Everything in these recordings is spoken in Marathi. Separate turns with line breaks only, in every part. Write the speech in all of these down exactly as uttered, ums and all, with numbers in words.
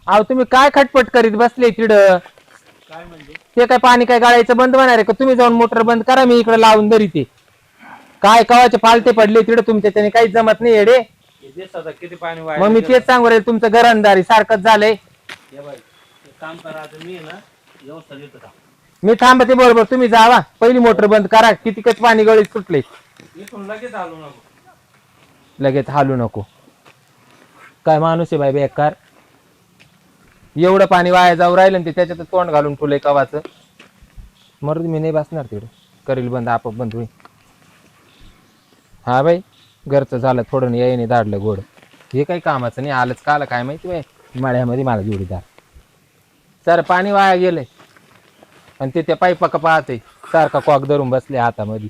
अहो तुम्ही काय खटपट करीत बसले तिड?
काय म्हणजे
ते काय पाणी काय गाळायचं बंद होणार आहे का? तुम्ही जाऊन मोटर बंद करा, मी इकडे लावून धरी ते. काय कवाचे पालते पडले तिड तुमच्या, त्याने काहीच जमत नाही येडे.
हे दिवसाचं किती पाणी वाया
मग मी
गेलं.
तेच सांगू राहिले, तुमचं घरंदारी सारखंच झालंय.
हे बाई एक काम करा आता मी आहे ना व्यवस्था देतो का
मी थांबते बरोबर, तुम्ही जावा पहिली मोटर बंद करा. किती कच पाणी गळीत सुटले.
इथून लगेच आलो नको.
लगेच हालू नको. काय माणूस आहे बाई बेकार. एवढं पाणी वाया जाऊ राहिलं आणि ते त्याच्यात तोंड घालून ठेवलंय कवाचं. मरू दे, मी नाही बसणार तिकडे. करील बंद, आपोआप बंद होईल. हा बाई घरचं झालं थोडं, यायने धाडलं गोड. हे काही कामाचं नाही, आलंच का आलं काय माहिती बाई. मळ्यामध्ये मला जोडीदार सर पाणी वाया गेलंय आणि ते त्या पाईपा का पाहते सारखा कॉक धरून बसले हातामध्ये.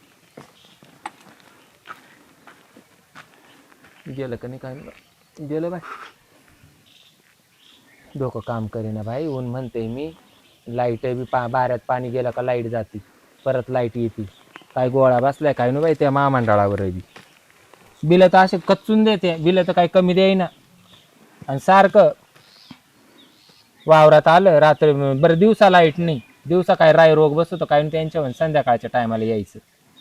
गेलं का नाही काय नाही गेलं बाई. डोकं काम करेना भाई. ऊन म्हणते मी, लाईट बी पा बाऱ्यात पाणी गेलं का लाईट जाते, परत लाईट येते. काय गोळा बसलाय काय ना बाई त्या महामंडळावर बी. बिलं तर असे कच्चून देते, बिलं तर काही कमी देईना. आणि सारखं वावरात आलं रात्री, बरं दिवसा लाईट नाही, दिवसा काय राय रोग बसतो काय त्यांच्या संध्याकाळच्या टायमाला यायचं.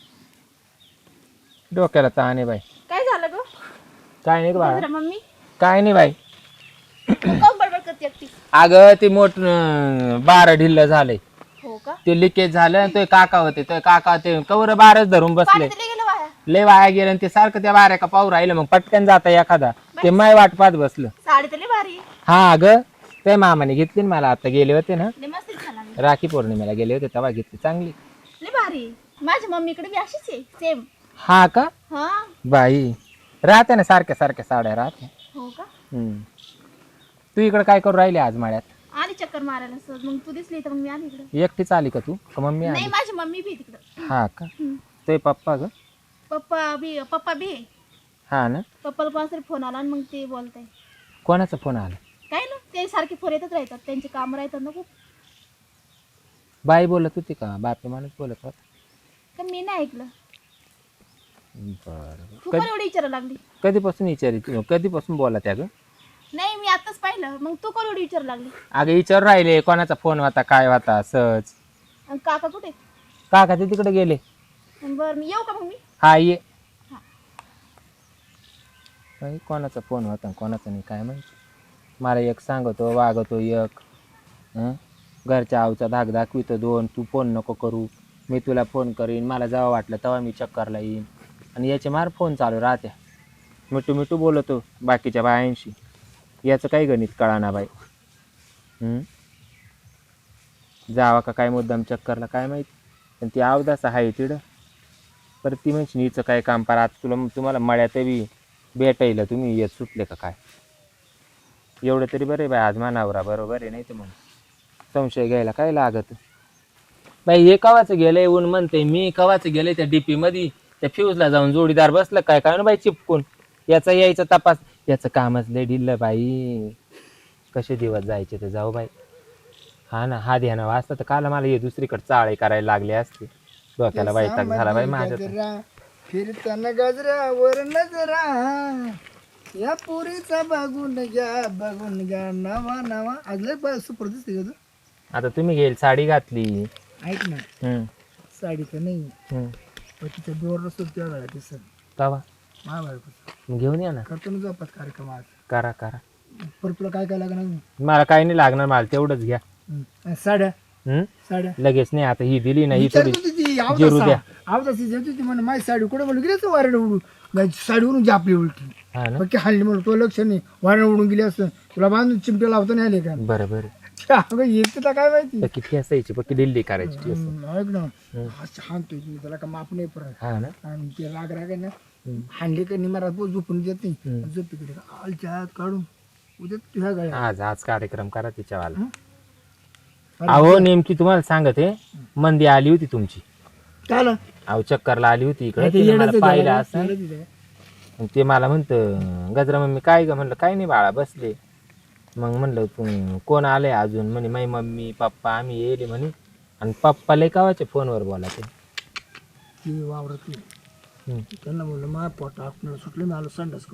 डोक्याला ताण आहे बाई.
काय झालं ग?
काय नाही बाळा,
मम्मी
काय नाही बाई.
काऊन बडबड करते एकटी?
अगं ते मोठ बारा ढिल्ल झालंय,
हो का?
ते लिकेज झालं. तो काका होते, तो काका ते कवर बारच धरून बसले.
पाणी गेलं वाया.
लय वाया गेलं आणि ते सारखं त्या बाऱ्या का पाहू राहिलं. मग पटकन जाता एखादा, ते माय वाट पाहत बसलं.
साडी तर लई भारी आहे.
हा अगं ते मामाने घेतली ना मला, आता गेले होते ना
लई मस्त दिसायला लागली.
राखी पौर्णिमेला गेले होते तेव्हा घेतली, चांगली.
लई भारी आहे. माझ्या मम्मीकडे बी अशीच आहे सेम.
हा का
हा
बाई, राहते ना सारख्या सारख्या साड्या राहते.
हो का?
हम्म. तू इकडे काय करू राहिली आज माळ्यात?
आली चक्कर मारायला सहज, मग तू दिसली तर मग मी आली इकडे.
एकटीच आली का तू का मम्मी
नाही
आली?
माझी मम्मी बी तिकडे.
हा का?
हम्म.
ते पप्पा ग?
पप्पा बी पप्पा बी आहे.
हा ना.
पप्पाला कोणाचा तरी फोन आला आणि मग ते बोलताय.
कोणाचा फोन आला?
काय ना ते सारखे फोन येतच राहतात, त्यांचे काम राहतात ना खूप.
बाई बोलत होती का बापे माणूस बोलत होता?
का मी नाही ऐकलं.
बरं.
तू पण एवढी विचारायला लागली?
कधीपासून विचारित कधीपासून बोला त्या ग?
नाही मी आताच पाहिलं, मग तू कोण एवढी विचारायला लागली?
अगं विचार राहिले कोणाचा फोन होता काय होता सहज.
आणि काका कुठे?
काका ते तिकडे गेले.
बरं मी येऊ का मग मी?
हा ये.
हा.
बाई, कोणाचा फोन होता कोणाचा नाही काय माहिती. मला एक सांगतो वागतो एक. हं? घरच्या आऊचा धाक दाखवितो दोन. तू फोन नको करू, मी तुला फोन करीन, मला जेव्हा वाटलं तेव्हा मी चक्करला येईन. आणि याचे मार फोन चालू राहत्या, मिठू मिठू बोलतो बाकीच्या बायांशी. याचं काही गणित कळाना बाई. हम्म. जावा का काय मुद्दाम चक्करला काय माहिती. पण ती अवदास आहे तिडं. परत ती म्हणजे हिचं काय काम पार. आता तुला तुम्हाला मळ्यात बी भेटायला तुम्ही येत सुटले का काय? एवढं तरी बरं आहे बाई, आज मानावरा बरोबर आहे, नाही तर मग संशय घ्यायला काय लागत बाई. हे कवाचं गेलंय ऊन म्हणते मी, कवाचं गेलंय त्या डीपी मध्ये त्या फ्यूजला जाऊन जोडीदार बसलं काय काय ना बाई चिपकून. याचा यायचा तपास, याचं कामच लय ढिल्लं बाई. कसे दिवस जायचे ते जाऊ बाई. हा ना, हा ध्यान वाचता तर काल मला हे दुसरीकडे चाळे करायला लागले असते. डोक्याला वैताग झाला बाई माझ्या.
फिरताना गजरा वर नजरा, या पुरीचा बघून घ्या बघून घ्या नवा नवा. आज लय सुपर दिसते का तू?
आता तुम्ही घेईल साडी घातली.
ऐक ना,
हम्म
साडी तर नाही
हम्म.
पण तिच्या डोर नसतो त्या वेळा दिसत
तवा
महाबाळपूर
मग घेऊन या ना.
करतो ना जोपात कार्यक्रम आज.
करा करा.
पर तुला काय काय लागणार?
मला काही नाही लागणार, मला तेवढंच घ्या.
हम्म. साड्या
हम्म.
साड्या
लगेच नाही, आता ही दिली ना ही थोडी
विचारत होती ती
जिरू द्या.
आवताची जेवत होती म्हणे माझी साडी कुठे बोलू गेली असं वाऱ्याने उडून. साडी उडून जी आपली उलटी
हा ना.
बाकी हल्ली म्हणून तो लक्ष नाही, वाऱ्याने उडून गेली असं तुला बांधून चिमट्या लावता नाही आले का?
बरं बरं.
अगं येते तर काय माहिती.
पक्की ठेसायची, पक्की दिल्ली करायची ठेस.
हम्म, ऐक ना हा छान तो मी त्याला का माप नाही परत.
हा ना.
आणि ते राग राग आहे ना हांडे का निमारात बोल झोपून देत नाही. झोप इकडे आलच्या हात काढून उद्या तुझ्या गळ्या.
आज आज कार्यक्रम करा तिच्यावाला. अहो नेमकी तुम्हाला सांगते, मंदी आली होती तुमची.
काय आलं?
अहो चक्करला आली होती इकडे,
ते
तिने मला
येड्याचं
पाहिलं
झालं,
असं.
येड्याचं झालं.
आणि ते मला म्हणतं गजरा मम्मी काय ग? म्हणलं काय नाही बाळा बसले. मग म्हणलं तू कोण आलंय अजून? म्हणे माई मम्मी पप्पा आम्ही येले म्हणे. आणि पप्पा लय कावाचे फोनवर बोला ते.
ती वावरत नाही. त्यांना म्हणलं मा पोट आपल्याला सुटलं मी आलो संडास करून.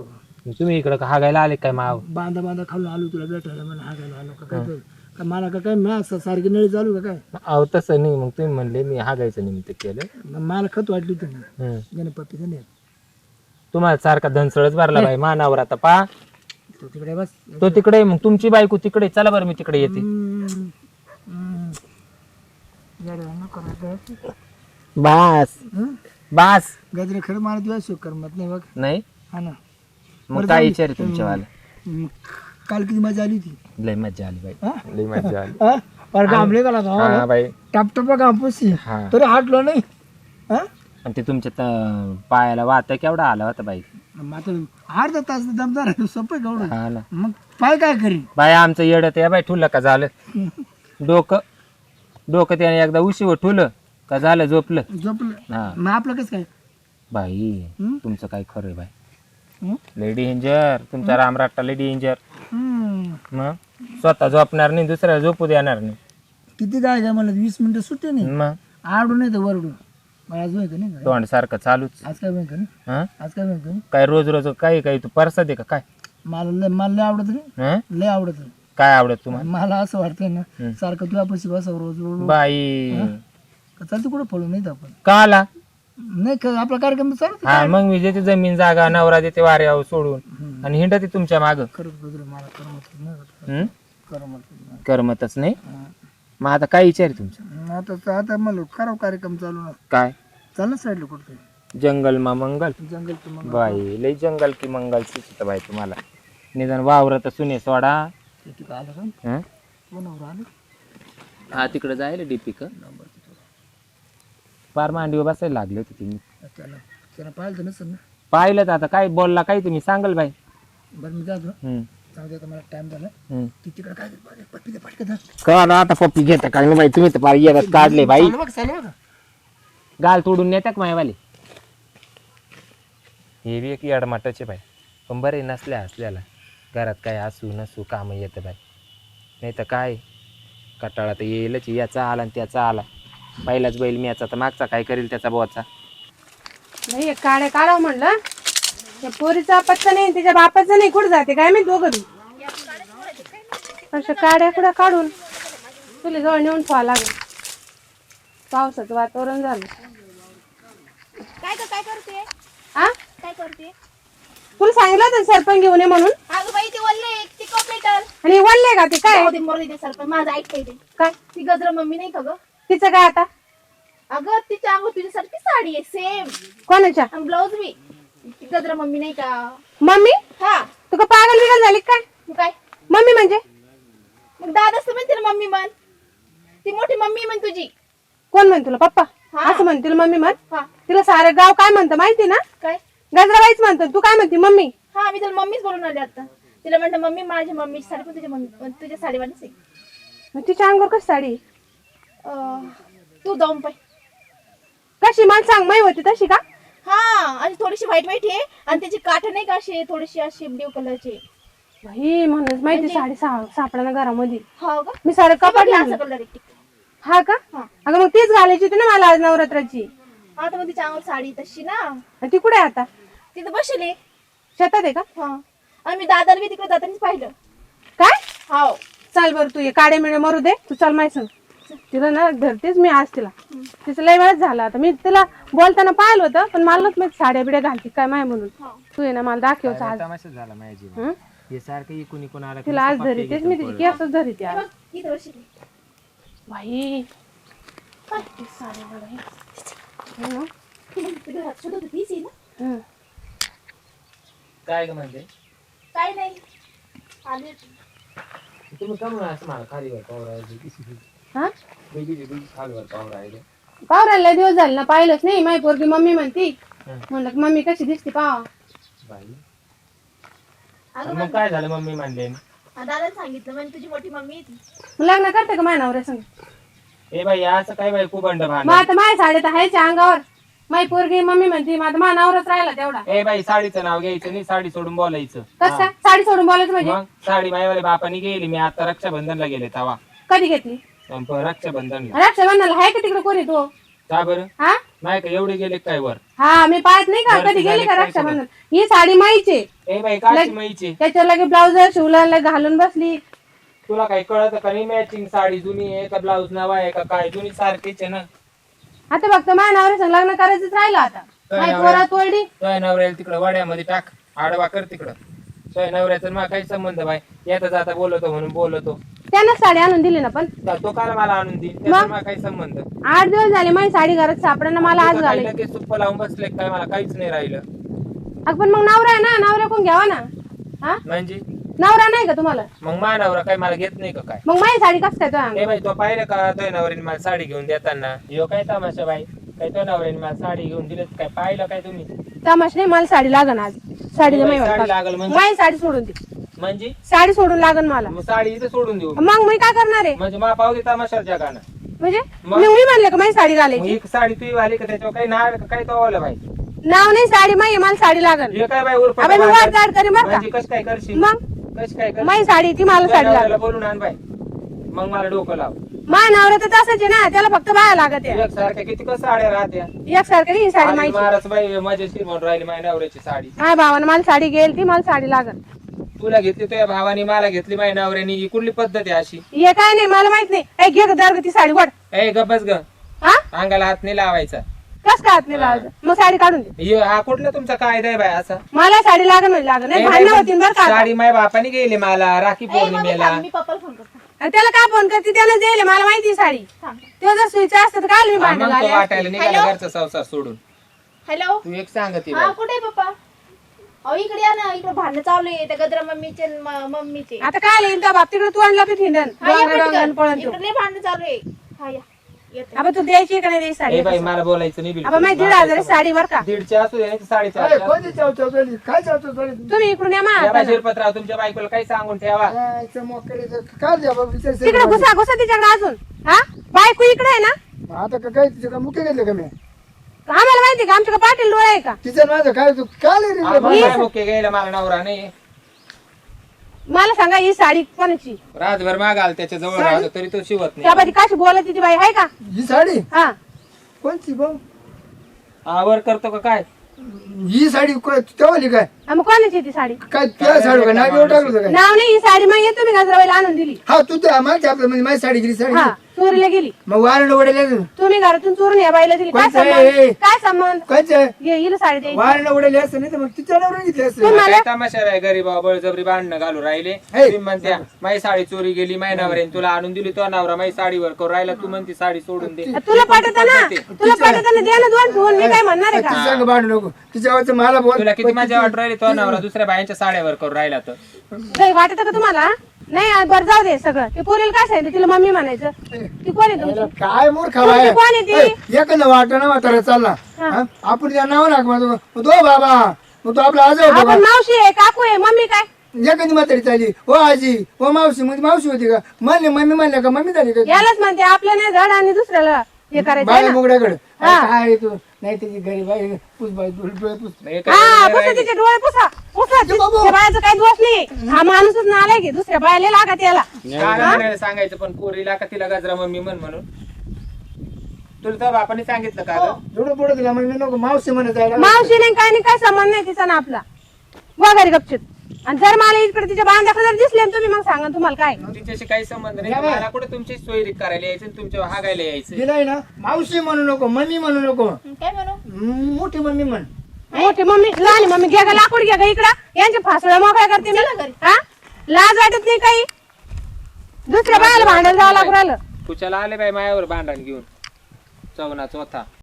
तुम्ही इकडं का हागायला आले काय माव?
बांधा बांधा खालून आलो तुला भेटायला मला हागायला आलो का काय तर. का मला का काय मा सारखी नळी चालू का काय
अहो तसं नाही, मग तुम्ही म्हणले मी हागायचं निमित्त केलं.
मग मला खत वाटली तुम्ही
हम्म.
गणपती नाही
तुम्हाला सारखा धनसळच भरला बाई मानावर. आता पा
तो तिकडे बस
तो तिकडे, मग तुमची बायको तिकडे. चला बरं मी तिकडे येते.
हम्म. हम्म. जरा नको नको.
बास
हं?
बास.
गजरे खरं मला दिवस करमत नाही बघ.
नाही
हा ना
मग काय विचार आहे तुमच्यावाला?
हम्म. काल किती मजा आली होती
लय मज्जा आली बाई,
हा?
लय मज्जा आली.
हा? पर घामले का
हा बाई.
टपटप घामपुसी
हा
तरी हाटलो नाही हा
आणि ते तुमच्या त- पायाला वाता केवढा आला होता बाई.
मात्र अर्धा तास दमदार आहे सोपं केवढं
हा ना
मग पाय काय करी
बाई. आमचं येडं ते बाई ठुलं का झालं डोकं डोकं त्याने एकदा उशीवर ठुलं का झालं झोपलं.
झोपलं
हा
मग आपलं कसं काय
बाई
हं?
तुमचं काय खरं आहे बाई.
हं?
लेडी डेंजर तुमचा रामराट्टा, लेडी डेंजर.
हम्म.
मग स्वतः झोपणार नाही, दुसऱ्याला झोपू देणार नाही.
किती काय काय मला वीस मिनिटं सुट्टी नाही
मग
आडू नाही तर वरडू मला आज होय का नाही का?
तोंड सारखं चालूच.
आज काय होय का नाही
हं?
आज काय होय का नाही
काय रोज रोज काही काही तू परसा दे का काय?
मला लय मला लय आवडत नाही
हं?
लय आवडत नाही.
काय आवडत तुम्हाला?
मला असं वाटतंय ना
हं.
सारखं तुझ्या पैसे बसावं रोज रोज रोज.
बाई
का चालते कुठं पळू नाही आपण
का आला?
नाही का आपला कार्यक्रम चालू
हा मग मी देते जमीन जागा नवरा देते वाऱ्यावर सोडून
हं.
आणि हिंडते तुमच्या माग.
खरंच बदल मला करमत नाही करमत नाही.
करमतच नाही.
हं.
मग आता काय विचार आहे तुमचा?
आता आता मला खराब कार्यक्रम चालू ना
काय?
चाल ना साईडला कुठं
जंगल मा मंगल.
जंगल तर मग
बाई लय जंगल की मंगल सुचत बाई तुम्हाला. निदान वावर तर सुने सोडा.
किती काय आलं का
हं?
कोणावर आलं
हा तिकडे जायला डीपिक फार मांडीवर बसायला लागले होते तुम्ही.
त्याला त्याला पाहिलं तर नसेल ना
पाहिलं तर आता काय बोलला काय तुम्ही सांगाल बाई.
बरं मी जातो
हम्म,
सांगते आता मला टाइम झाला
हम्म.
ती तिकडे काय पप्पी पटके धर
का ना आता पप्पी घेता काय नाही बाई. तुम्ही तर फार येतात काढले बाई.
चालू बघ चालू बघ
गाल तोडून नेत्या का मायवाले. हे बी एक याडमाटाचे बाई. पण बरे नसल्या असल्याला घरात काय असू नसू काम येतं बाई. नाही तर काय कटाळा तर येईलच. याचा आला आणि त्याचा आला. पहिलाच बैल मी याचा तर मागचा काय करेल त्याचा बोचा.
नाही काड्या काढावं म्हणलं त्या पोरीचा पत्ता नाही तिच्या बापाचा नाही. कुठं जाते काय मी दोघं बी अशा काड्या कुठं काढून तुला जवळ नेऊन ठेवा लागेल. पावसाचं वातावरण झालं.
काय ग काय करते
हा
काय करते
तुला सांगितलं होतं ना सरपंच घेऊन ये म्हणून.
अगं बाई ते वल्ले ती कॉम्प्युटर
आणि वळले का ते काय
दे मोर दे सरपंच माझं ऐकते ते
काय
ती गजरा मम्मी नाही का ग
तिचं काय आता
अगं तिच्या अंग तुझ्यासारखी साडी आहे सेम
कोणाच्या
आणि ब्लाऊज बी ती गजरा मम्मी नाही का
मम्मी
हा
तू का पागल बिगल झाली का काय?
मग काय
मम्मी म्हणजे
मग दादाच तर म्हणते ना मम्मी म्हण ती मोठी मम्मी म्हण तुझी
कोण म्हण तुला पप्पा
हा.
असं म्हणतील मम्मी म्हण.
हा
तिला सारं गाव काय म्हणतं माहिती ना
काय
गजराबाईच म्हणतो. तू काय म्हणते मम्मी.
हा मी तुला मम्मीच बोलून आले आता तिला म्हणतं मम्मी माझ्या मम्मीची साडी पण तुझ्या मम्मी तुझ्या साडीवालीच आहे
मग तिच्या अंगावर कशी साडी
अं, तू जाऊन पाय
कशी मला सांग माही होती तशी का.
हा आणि थोडीशी व्हाईट व्हाईट आहे आणि त्याची काठ नाही का अशी थोडीशी अशी ब्ल्यू कलरची
भाई म्हणूनच माहिती साडी सा- सापडा ना घरामध्ये.
हा का
मी सारं कपाट
असं
आणलं.
कलर आहे
हा का
हा.
अगं मग तीच घालायची होती ना मला आज नवरात्राची.
हा तर मग तिच्या अंगावर साडी तशी ना
आणि ती कुठे आहे आता
तिथं बसले
शेतात आहे का
हा आणि मी दादाला बी तिकडे जातानाच पाहिलं
काय.
हाव
चाल बरं तू ये काडे मिळे मरू दे तू चाल माय सांग. तिला ना धरतेच मी आज तिला. तिचं लय वेळच झाला आता मी तिला बोलताना पाहिलं होतं पण मला मग साड्या बिड्या घालते काय माय म्हणून. तू ये ना मला दाखवच आज.
तमाशा झाला माझ्या जीवन.
हं?
हे सारखं इकून इकून आला
तिला आज धरीतेच मी तिची केसच धरीते आज.
बघ, इथं बसली
भाई काय ते साडी मला हे. हं?
तुझ्या घरात सुद्धा होती तीच आहे ना
हं.
काय ग म्हणते
काय नाही आले
तुम्ही का म्हणून असं मला खालीवर पावर आहे
हा
खालीवर पावर आहे.
पावराला दिवस झाले ना पाहिलंच नाही माझी पोरगी मम्मी म्हणती.
हं.
म्हणलं की मम्मी कशी दिसते पाहा.
बाई
अगं
मग काय झालं मम्मी म्हणले.
हा, दादाला सांगितलं म्हणजे तुझी मोठी मम्मी आहे ती
मग लग्न करते का माझ्या नवऱ्या संग.
ए बाई असं काय बाई खूप अंड
मग
भांड.
आता माझ्या साडे तर आहेच्या अंगावर. माझी पोरगी मम्मी म्हणते मग आता माझा नवराच राहिला तेवढा.
ए बाई साडीचं नाव घ्यायचं नाही साडी सोडून बोलायचं.
कसं काय साडी सोडून बोलायचं म्हणजे
मग साडी मायवाले बापानी गेली मी आता रक्षाबंधनला गेले तवा
कधी घेतली
रक्षाबंधनला
रक्षाबंधनाला आहे का तिकडे कोणी तो
का बरं
हा
नाही का एवढे गेले काय वर
हा मी पाहत नाही का
बरं,
कधी
झाले
गेली का
काय
रक्षाबंधन ही साडी माईचे
ए बाई काची माईची
त्याच्या लगे ब्लाउज शिवला लगे घालून बसली
तुला काही कळत का नाही मॅचिंग साडी जुनी आहे का ब्लाऊज नवा आहे का काय जुनी सारखीच आहे ना
आता फक्त माझ्या नवऱ्या संग लग्न करायचंच राहिलं आता
काय
माझी
नवरा?
पोरात वळली
तुझ्या नवऱ्याला तिकडं वाड्यामध्ये टाक आडवा कर तिकडं तुझ्या नवऱ्याचा मला काही संबंध बाई येता जाता बोलतो म्हणून बोलतो
त्यानंच साडी आणून दिली ना पण
तर तो काल मला आणून देईल त्याचा मला काही संबंध
आठ दिवस झाले माझी साडी घरात सापडणं मला आज
काही
झाले
लगेच सुप्प लावून बसले काय मला काहीच नाही राहिलं
अगं पण मग नवरा आहे ना नवरा कोण घ्यावा ना हा
म्हणजे
नवरा नाही का तुम्हाला
मग मा नवरा काय मला घेत नाही का काय
मग माझी साडी कसं काय तो अंग?
ए बाई तो पाहिलं का तुझ्या नवऱ्याने मला साडी घेऊन देताना यो काय तमाशा बाई काय तुझ्या नवऱ्याने मला साडी घेऊन दिली काय पाहिलं काय तुम्ही
तमाश नाही मला साडी लागन आज साडी
बाई, साडी लागल म्हणजे
माझी साडी सोडून दे
म्हणजे
साडी सोडून लागन मला
मग साडी इथे सोडून देऊ
मग मी काय करणार आहे
म्हणजे मा पाहू दे तमाशा जगानं
म्हणजे
मग?
मग मी म्हणले का माझी साडी
मग
घालायची
ही साडी तू आली का त्याच्यावर काही नाव आहे का काय तो आवलं बाई
नाव नाही साडी माही मला साडी लागन
हे काय बाई उरफाट
अबे मी वाट चाड करीन बरं का
म्हणजे कस काय करशील
मग
कस काय करशील
माझी साडी ती मला
तुझ्या
साडी लागन
नवऱ्याला बोलून आण बाई मग मला डोकं लाव
माझ्या नवरा तर तसंच आहे ना त्याला फक्त बाया लागत आहे
एक सारख्या किती कसं साड्या राहत्या
एक सारखं ही साडी
आणि
माहिती
महाराज बाई मजेशीर म्हणून राहिली माझ्या नवऱ्याची साडी
माझ्या भावानं मला साडी घेईल ती मला साडी लागन
तुला घेतली तुझ्या भावानी मला घेतली माझ्या नवऱ्यानी ही कुठली पद्धत आहे अशी
हे काय नाही मला माहित नाही ऐ घे गं, दर गं ती साडी वाढ
ए गबस ग
हा
अंगाला हात नाही लावायचा
कस काय हात नाही लावायचं मग साडी काढून दे
हे हा कुठला तुमचा कायदा आहे बाय असा
मला साडी लागन म्हणजे लागन नाही
ए
भांडणं
बाई,
होतील बरं का आता.
साडी माझ्या बापाने गेली मला राखी
ए, मम्मी
पौर्णिमेला
थांब, मी पप्पाला फोन करते
आणि त्याला काय फोन करते त्यानं दिले मला माहिती आहे साडी
थांब.
तो जर सुईचा असतं तर काय मी
हा,
भांडण
मग तो
झाले
वाटायला निघाला घरचा संसार सोडून
हॅलो
तू एक सांगते
हा कुठे आहे पप्पा अहो इकडे या ना इकडे भांडणं चालू आहे त्या गजरा मम्मीचे आणि म- मम्मीचे
आता काय येईल त्या बाप तिकडे तू आणला हिंडन
हा, या
डोंगर डोंगर पळून
पटकन. इकडे लय भांडणं चालू आहे हा या येते.
आता तू द्यायची का नाही द्यायची साडी
ए बाई मला बोलायचं नाही
आता माझी दीड हजार साडी बर का
दीडच्या असू दे साडेचार
अरे, कोणती चाव चाव चालली? काय चाव चाव चालली?
तुम्ही इकडून या मा
शिरपतराव तुमच्या बायकोला काही सांगून ठेवा
हा, इथं मोकळीचं काय द्या बाबा, विचार
तिकडे
सेवा.
घुसा घुसा तिच्याकडे अजून हा बायको इकडे आहे ना
आता का- काय तिचं का मुख्य घेतलं का मी
आम्हाला माहिती का आमच्याकडे पाटील डोळे आहे का
तिचं माझं काय तू काय लय रे रे बाबा?
आम्हाला मुख्य घ्यायला मला नवरा नाही
मला सांगा ही साडी कोणाची
रातभर मागाल त्याच्या जवळ राहतो तरी तो शिवत नाही
त्याबादी काशी बोलत ती बाई आहे का
ही साडी
हा
कोणती भाऊ
आवर करतो का काय
ही साडी को- तेव्हाली काय
हा, मग कोणाची ती साडी
काय त्या साडी का नाव एवढं टाकलं होतं काय
नाव नाही ही साडी मग येतो मी गजराबाईला आणून दिली
हा तू त्या मागच्या आपल्या म्हणजे माझी साडी गेली साडी
हा चोरीला गेली
मग वारण उडेल
तुम्ही घरातून चोरून या बाईला दिली काय
कोणचं
संबंध
आहे?
काय संबंध
कायचं
घे, हिला साडी द्यायची
वारण उडेल असं नाही तर मग तिच्या नवऱ्याने घेतली असं
तुम्ही
काय
मला
तमाशा आहे गरीबा बळजबरी भांडणं घालू राहिले
हे.
तुम्ही म्हणत्या माझी साडी चोरी गेली माझ्या नवऱ्याने तुला आणून दिली तो नवरा माझी साडीवर करू राहिला तू म्हणती साडी सोडून दे
तुला पाठवता ना तुला पाठवताना द्या ना दोन ठेवून मी काय म्हणणार आहे
ती
का
सांग भांडू नको तिच्यावरचं मला बोल
तुला किती मजा वाटू राहिली तो नवरा दुसऱ्या बायांच्या साड्यावर करू राहिला तर
काही वाटत का तुम्हाला नाही आ, बरं जाऊ दे सगळं ते पोरीला काय सांगितलं तिला मम्मी म्हणायचं ती कोण आहे तुमची
काय मूर्ख
तुमची कोण आहे ती
एखादा वाटा म्हातारा चालला हा? आपण त्या नाव नाक मग तो बाबा मग तो आपला आज होता
आपण मावशी आहे काकू आहे मम्मी काय
एखादी म्हातारी चालली हो आजी हो मावशी म्हणजे मावशी होती का म्हणले मम्मी म्हणल्या का मम्मी झाली का
यालाच म्हणते आपलं नाही धड आणि दुसऱ्याला हे करायचं आहे
बाय
ना.
मुगड्याकडे काय तू नाही त्याची गरीब आहे पुस बाई पुस
हे
हा
काय
पुसा तिचे डोळे पुसा पुसा
ते बाबा.
त्या बायाचं काही दोष नाही हा माणूसच नालाय की दुसऱ्या बायाला लागत याला
गाणं म्हणायला सांगायचं पण पोरीला का तिला गजरा मम्मी म्हण म्हणून तुला तर बापाने सांगितलं का ग
थोडं पुढे दिला मग मी नको मावशी म्हणत जायला
मावशी नाही काय नाही काय संबंध नाही तिचा ना आपला वगैरे गपचित आणि जर मला इकडे तिच्या बांधाकडे जर दिसले ना तुम्ही मग सांगा तुम्हाला काय
तिच्याशी काही संबंध नाही
या बाई.
मला कुठे तुमची सोयरी करायला यायचं आणि तुमच्या हागायला यायचं
दिलाय ना मावशी म्हणू नको मम्मी म्हणू नको
काय म्हणू
म- मोठी मम्मी म्हण
मोठी मम्मी लहान मम्मी घ्या का लाकूड घ्या का इकडं यांच्या फासळ्या मोकळ्या करते मी हा लाज वाटत नाही काही दुसऱ्या बायाला भांडायला जावं लागू राहिलं
कुशाला आले बाई मायावर भांडण घेऊन चवना चौथा